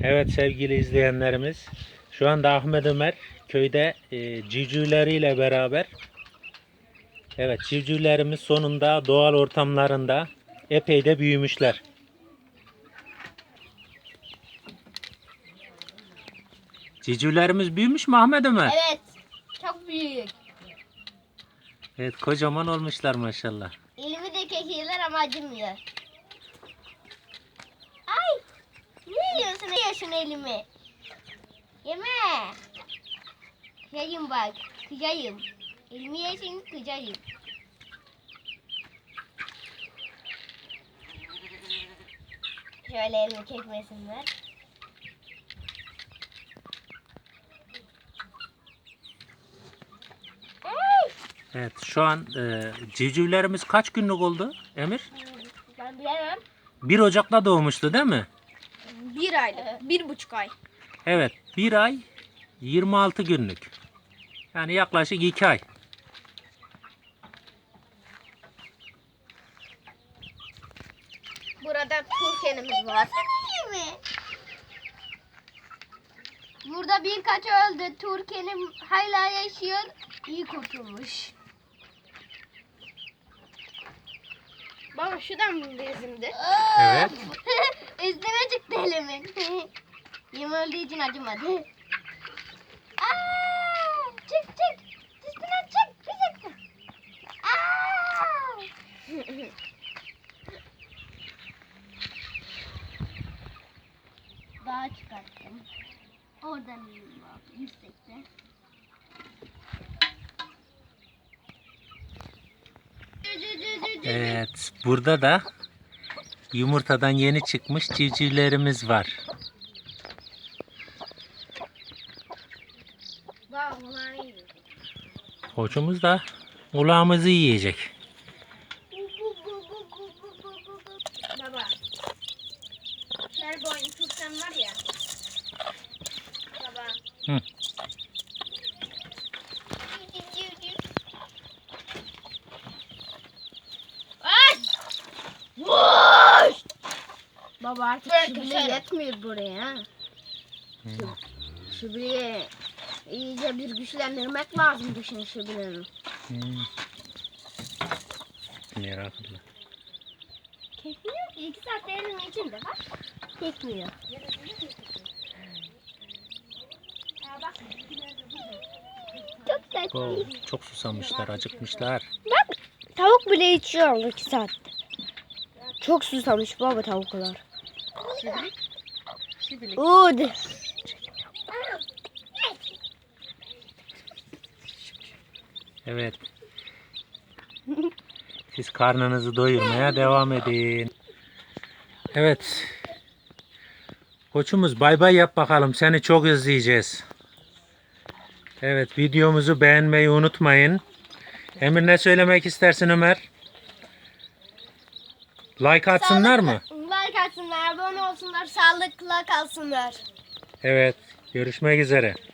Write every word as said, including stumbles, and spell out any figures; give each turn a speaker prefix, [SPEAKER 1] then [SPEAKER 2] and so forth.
[SPEAKER 1] Evet sevgili izleyenlerimiz, şu anda Ahmet Ömer köyde e, civcivleriyle beraber. Evet, civcivlerimiz sonunda doğal ortamlarında epey de büyümüşler. Civcivlerimiz büyümüş mü Ahmet Ömer?
[SPEAKER 2] Evet, çok büyük.
[SPEAKER 1] Evet, kocaman olmuşlar maşallah.
[SPEAKER 2] Elimi de kekiyorlar ama acımıyor. Ay! Ne yiyorsun? Ne yiyorsun elimi? Yeme! Kıyayım bak, kıyayım. Elimi yesin, kıyayım. Şöyle elimi çekmesinler.
[SPEAKER 1] Evet, şu an e, civcivlerimiz kaç günlük oldu Emir?
[SPEAKER 2] Ben bilemem.
[SPEAKER 1] bir Ocak'ta doğmuştu değil mi?
[SPEAKER 2] Bir aylık, bir buçuk ay.
[SPEAKER 1] Evet, bir ay yirmi altı günlük. Yani yaklaşık iki ay.
[SPEAKER 2] Burada turkenimiz var. Burada birkaç öldü. Turkenim hala yaşıyor. İyi kurtulmuş. Baba şuradan mı bezimdi?
[SPEAKER 1] Evet.
[SPEAKER 2] Üstüme çıktı elimin. Yem öldüğü için acımadı. Aa, çık çık. Üstüne çık. Bir dakika. Aa. Dağa çıkarttım. Oradan iyiyim abi, yüksekte.
[SPEAKER 1] Evet, burada da yumurtadan yeni çıkmış civcivlerimiz var.
[SPEAKER 2] Bak bunlar iyi.
[SPEAKER 1] Koçumuz da kulağımızı yiyecek.
[SPEAKER 2] Baba. Her boyun tutsan var ya. Baba.
[SPEAKER 1] Hı.
[SPEAKER 2] Ay! Vuş! Baba artık şu bile yetmiyor buraya. Şu, şu bile iyice bir güçlendirmek lazım düşün şu bileğini.
[SPEAKER 1] Hmm. Meraklı.
[SPEAKER 2] Kekmiyor ki. İki saatte elimin içinde var. Kekmiyor. Çok tatlı.
[SPEAKER 1] Oo, çok susamışlar, acıkmışlar.
[SPEAKER 2] Bak tavuk bile içiyor iki saatte. Çok susamış baba tavuklar. Oo, de.
[SPEAKER 1] Evet. Siz karnınızı doyurmaya devam edin. Evet. Koçumuz bay bay yap bakalım. Seni çok izleyeceğiz. Evet, videomuzu beğenmeyi unutmayın. Emir ne söylemek istersin Ömer? Like atsınlar mı?
[SPEAKER 2] Like atsınlar, abone olsunlar, sağlıkla kalsınlar.
[SPEAKER 1] Evet. Görüşmek üzere.